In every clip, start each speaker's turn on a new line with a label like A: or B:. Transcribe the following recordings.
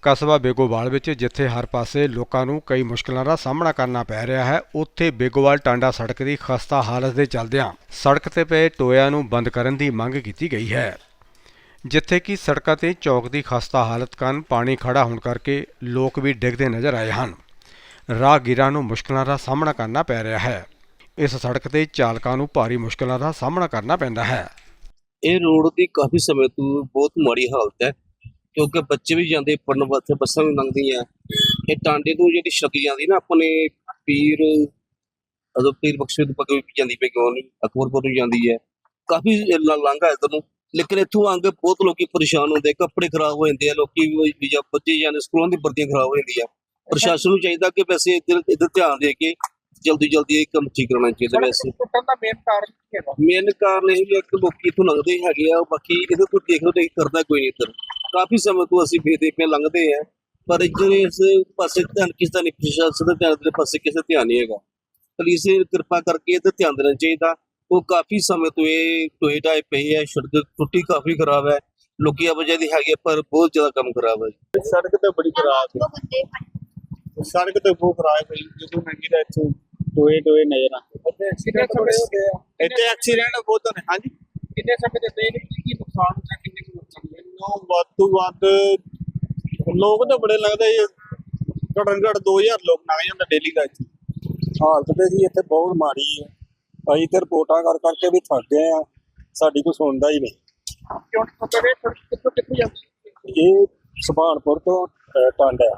A: ਕਸਬਾ ਬੇਗੋਵਾਲ ਵਿੱਚ ਜਿੱਥੇ ਹਰ ਪਾਸੇ ਲੋਕਾਂ ਨੂੰ ਕਈ ਮੁਸ਼ਕਲਾਂ ਦਾ ਸਾਹਮਣਾ ਕਰਨਾ ਪੈ ਰਿਹਾ ਹੈ, ਉੱਥੇ ਬੇਗੋਵਾਲ ਟਾਂਡਾ ਸੜਕ ਦੀ ਖਸਤਾ ਹਾਲਤ ਦੇ ਚੱਲਦਿਆਂ ਸੜਕ ਤੇ ਪਏ ਟੋਇਆਂ ਨੂੰ ਬੰਦ ਕਰਨ ਦੀ ਮੰਗ ਕੀਤੀ ਗਈ ਹੈ। ਜਿੱਥੇ ਕਿ ਸੜਕਾਂ ਤੇ ਚੌਕ ਦੀ ਖਸਤਾ ਹਾਲਤ ਕਾਰਨ ਪਾਣੀ ਖੜਾ ਹੋਣ ਕਰਕੇ ਲੋਕ ਵੀ ਡਿੱਗਦੇ ਨਜ਼ਰ ਆਏ ਹਨ। ਰਾਹਗੀਰਾਂ ਨੂੰ ਮੁਸ਼ਕਲਾਂ ਦਾ ਸਾਹਮਣਾ ਕਰਨਾ ਪੈ ਰਿਹਾ ਹੈ। ਇਸ ਸੜਕ ਤੇ ਚਾਲਕਾਂ ਨੂੰ ਭਾਰੀ ਮੁਸ਼ਕਲਾਂ ਦਾ ਸਾਹਮਣਾ ਕਰਨਾ ਪੈਂਦਾ ਹੈ।
B: ਇਹ ਰੋਡ ਦੀ ਕਾਫੀ ਸਮੇਂ ਤੋਂ ਬਹੁਤ ਮਾੜੀ ਹਾਲਤ ਹੈ, ਕਿਉਂਕਿ ਬੱਚੇ ਵੀ ਜਾਂਦੇ ਪੜਨ ਵਾਸਤੇ, ਬੱਸਾਂ ਵੀ ਲੰਘਦੀਆਂ। ਇਹ ਟਾਂਡੇ ਤੋਂ ਜਿਹੜੀ ਸੜਕ ਜਾਂਦੀ ਨਾ ਆਪਣੇ ਪੀਰ ਬਖਸ਼ੇ ਤੋਂ ਪੱਕੇ ਵੀ ਜਾਂਦੀ ਪਈ, ਕਿਉਂ ਨਹੀਂ ਅਕਬਰਪੁਰ ਨੂੰ ਜਾਂਦੀ ਹੈ, ਕਾਫੀ ਲਾਂਘਾ ਇੱਧਰ ਨੂੰ। ਲੇਕਿਨ ਇੱਥੋਂ ਆ ਕੇ ਬਹੁਤ ਲੋਕੀ ਪਰੇਸ਼ਾਨ ਹੁੰਦੇ, ਕੱਪੜੇ ਖਰਾਬ ਹੋ ਜਾਂਦੇ ਆ, ਲੋਕੀ ਜਾਂ ਬੱਚੇ ਜਾਂਦੇ ਸਕੂਲਾਂ ਦੀ ਵਰਦੀਆਂ ਖਰਾਬ ਹੋ ਜਾਂਦੀਆਂ। ਪ੍ਰਸ਼ਾਸਨ ਨੂੰ ਚਾਹੀਦਾ ਕਿ ਵੈਸੇ ਇੱਧਰ ਧਿਆਨ ਦੇ ਕੇ ਜਲਦੀ ਇਹ ਕੰਮ ਠੀਕ ਕਰਨਾ ਚਾਹੀਦਾ। ਵੈਸੇ ਮੇਨ ਕਾਰਨ ਇਹ ਵੀ ਇੱਕ ਲੋਕੀ ਇੱਥੋਂ ਲੰਘਦੇ ਹੈਗੇ ਆ, ਬਾਕੀ ਇਹਦੇ ਤੋਂ ਦੇਖ ਲਓ ਨਹੀਂ ਕਰਦਾ ਕੋਈ ਨਹੀਂ। ਇੱਧਰ ਕਾਫੀ ਸਮੇਂ ਤੋਂ ਅਸੀਂ ਵੇਖਦੇ ਪਏ ਲੰਘਦੇ ਆ, ਪਰ ਇੱਧਰ ਇਸ ਪਾਸੇ ਧਿਆਨ ਕਿਸੇ ਦਾ ਨਹੀਂ, ਪ੍ਰਸ਼ਾਸਨ ਦਾ ਧਿਆਨ ਦੇ ਪਾਸੇ ਕਿਸੇ ਦਾ ਧਿਆਨ ਨਹੀਂ ਹੈਗਾ। ਪੁਲਿਸ ਕਿਰਪਾ ਕਰਕੇ ਇਹਦਾ ਧਿਆਨ ਦੇਣਾ ਚਾਹੀਦਾ। ਉਹ ਕਾਫੀ ਸਮੇਂ ਤੋਂ ਇਹ ਟੋਏ ਟਾਏ ਪਏ ਹੈ, ਸੜਕ ਟੁੱਟੀ ਕਾਫੀ ਖਰਾਬ ਹੈ, ਲੋਕੀ ਆਵਾਜਾਈ ਹੈਗੀ ਪਰ ਬਹੁਤ ਜ਼ਿਆਦਾ ਕੰਮ ਖਰਾਬ ਹੈ।
C: ਸੜਕ ਤਾਂ ਬੜੀ ਖਰਾਬ ਹੈ, ਸੜਕ ਤਾਂ ਬਹੁਤ ਖਰਾਬ ਹੈ। ਜਦੋਂ ਲੰਘੀ ਦਾ ਇੱਥੋਂ ਟੋਏ ਨਜ਼ਰ ਆਉਂਦੇ, ਇੱਥੇ ਐਕਸੀਡੈਂਟ ਬਹੁਤ ਹੋਣੇ। ਹਾਂਜੀ,
D: ਕਿੰਨੇ ਸਮੇਂ ਦੇ ਪਏ ਨੇ, ਕੀ ਨੁਕਸਾਨ ਹੁੰਦਾ, ਕਿੰਨੇ ਕੁ ਨੁਕਸਾਨ?
C: ਵੱਧ ਤੋਂ ਵੱਧ ਲੋਕ ਤਾਂ ਬੜੇ ਲੱਗਦੇ, ਘੱਟੋ-ਘੱਟ 2000 ਲੋਕ ਲੰਘ ਜਾਂਦਾ ਡੇਲੀ ਦਾ। ਇੱਥੇ ਹਾਲਤ ਤੇ ਜੀ ਇੱਥੇ ਬਹੁਤ ਮਾੜੀ ਹੈ। ਅਸੀਂ ਤੇ ਰਿਪੋਰਟਾਂ ਕਰਕੇ ਵੀ ਥੱਕ ਗਏ ਆ, ਸਾਡੀ ਕੋਈ ਸੁਣਦਾ ਹੀ ਨਹੀਂ।
D: ਕਿੱਥੋਂ ਜਾਂਦੀ?
C: ਇਹ ਸੁਭਾਨਪੁਰ ਤੋਂ ਟਾਂਡਾ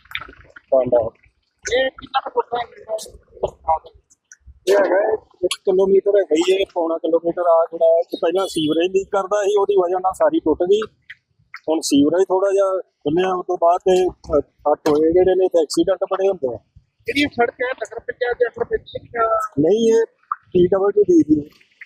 D: ਇਹ ਕਿੰਨਾ ਕੁ ਟੁੱਟਾ ਹੈ?
C: ਇਹ ਹੈਗਾ 1 ਕਿਲੋਮੀਟਰ ਹੈਗਾ ਹੀ, ਇਹ ਪੌਣਾ ਕਿਲੋਮੀਟਰ ਆ ਜਿਹੜਾ ਪਹਿਲਾਂ ਸੀਵਰੇਜ ਲੀਕ ਕਰਦਾ ਸੀ, ਉਹਦੀ ਵਜ੍ਹਾ ਨਾਲ ਸਾਰੀ ਟੁੱਟ ਗਈ। ਹੁਣ ਸੀਵਰੇਜ ਥੋੜਾ ਜਿਹਾ ਖੁੱਲਿਆ, ਉਸ ਤੋਂ ਬਾਅਦ ਤੇ ਟੋਏ ਜਿਹੜੇ ਨੇ ਤੇ ਐਕਸੀਡੈਂਟ ਬੜੇ ਹੁੰਦੇ ਆ।
D: ਜਿਹੜੀ ਸੜਕ ਹੈ ਨਗਰ ਪੰਚਾਇਤ ਦੇ ਅੰਡਰ ਪੈਂਦੀ
C: ਨਹੀਂ, ਇਹ PWD ਦੀ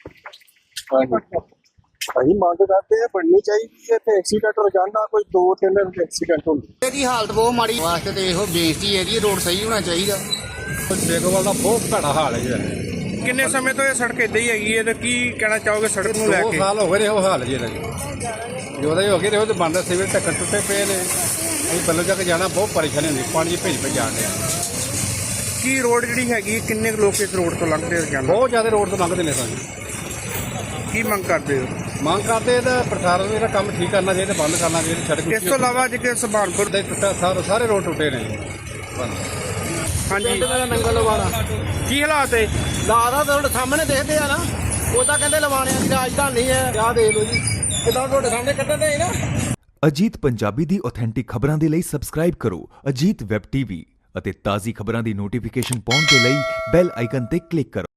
C: ਅਸੀਂ ਮੰਗ ਕਰਦੇ ਆ, ਬਣਨੀ ਚਾਹੀਦੀ ਹੈ। ਤੇ ਐਕਸੀਡੈਂਟ ਰੋਜ਼ਾਨਾ ਕੋਈ 2-3 ਐਕਸੀਡੈਂਟ ਹੁੰਦੇ।
E: ਇਹਦੀ ਹਾਲਤ ਬਹੁਤ ਮਾੜੀ ਵਾਸਤੇ ਤੇ ਇਹੋ ਬੇਨਤੀ ਹੈ ਜੀ, ਰੋਡ ਸਹੀ ਹੋਣਾ ਚਾਹੀਦਾ।
A: ਬੇਗੋਵਾਲ ਦਾ ਬਹੁਤ ਭੈੜਾ ਹਾਲ ਹੈ ਜੀ।
D: ਕਿੰਨੇ ਸਮੇਂ ਤੋਂ ਇਹ ਸੜਕ ਇਦਾਂ ਹੀ ਹੈਗੀ ਹੈ, ਤੇ ਕੀ ਕਹਿਣਾ ਚਾਹੋਗੇ ਸੜਕ ਨੂੰ ਲੈ ਕੇ?
A: 2 ਸਾਲ ਹੋ ਗਏ ਨੇ ਉਹ ਹਾਲ ਜੀ ਇਹਦਾ। ਜਿਹਦਾ ਹੀ ਹੋ ਗਏ ਤੇ ਉਹ ਤੇ ਬੰਦ ਸਿਵਲ ਢੱਕਣ ਟੁੱਟੇ ਪਏ ਨੇ। ਅਸੀਂ ਬੱਲੋਂ ਜਾ ਕੇ ਜਾਣਾ ਬਹੁਤ ਪਰੇਸ਼ਾਨੀ ਹੁੰਦੀ, ਪਾਣੀ 'ਚ ਭੇਜ ਜਾਂਦੇ ਆ।
D: ਕੀ ਰੋਡ ਜਿਹੜੀ ਹੈਗੀ, ਕਿੰਨੇ ਲੋਕ ਇਸ ਰੋਡ ਤੋਂ ਲੰਘਦੇ ਜਾਂਦੇ?
A: ਬਹੁਤ ਜ਼ਿਆਦਾ ਰੋਡ ਤੋਂ ਲੰਘਦੇ ਨੇ। ਸਾਨੂੰ
D: ਕੀ ਮੰਗ ਕਰਦੇ ਹੋ?
A: ਮੰਗ ਕਰਦੇ ਇਹਦਾ ਪ੍ਰਸ਼ਾਸਨ ਨੂੰ ਇਹਦਾ ਕੰਮ ਠੀਕ ਕਰਨਾ ਚਾਹੀਦਾ, ਬੰਦ ਕਰਨਾ ਚਾਹੀਦਾ ਸੜਕ।
D: ਇਸ ਤੋਂ ਇਲਾਵਾ ਜਿਹੜੇ ਸੁਭਾਨਪੁਰ
A: ਦੇ ਟੁੱਟਾ ਸਾਰੇ ਰੋਡ ਟੁੱਟੇ ਨੇ।
D: ਹਾਂਜੀ,
E: ਮੇਰਾ ਨੰਗਲ ਲਵਾਣਾ
D: ਕੀ ਹਾਲਾਤ ਹੈ?
E: ਲਾਦਾ ਤੁਹਾਡੇ ਸਾਹਮਣੇ ਦੇਖਦੇ ਆ ਨਾ, ਉਹ ਤਾਂ ਕਹਿੰਦੇ ਲਵਾਣਿਆਂ ਦੀ ਰਾਜਧਾਨੀ ਹੈ। ਆਹ ਦੇਖ ਲਓ ਜੀ, ਕਿਦਾਂ ਤੁਹਾਡੇ ਸਾਹਮਣੇ ਕੱਢਦੇ ਨਾ।
F: ਅਜੀਤ ਪੰਜਾਬੀ ਦੀ ਆਥੈਂਟਿਕ ਖਬਰਾਂ ਦੇ ਲਈ ਸਬਸਕ੍ਰਾਈਬ ਕਰੋ ਅਜੀਤ ਵੈਬ ਟੀਵੀ ਅਤੇ ਤਾਜ਼ੀ ਖਬਰਾਂ ਦੀ ਨੋਟੀਫਿਕੇਸ਼ਨ ਪਾਉਣ ਦੇ ਲਈ ਬੈਲ ਆਈਕਨ ਤੇ ਕਲਿੱਕ ਕਰੋ।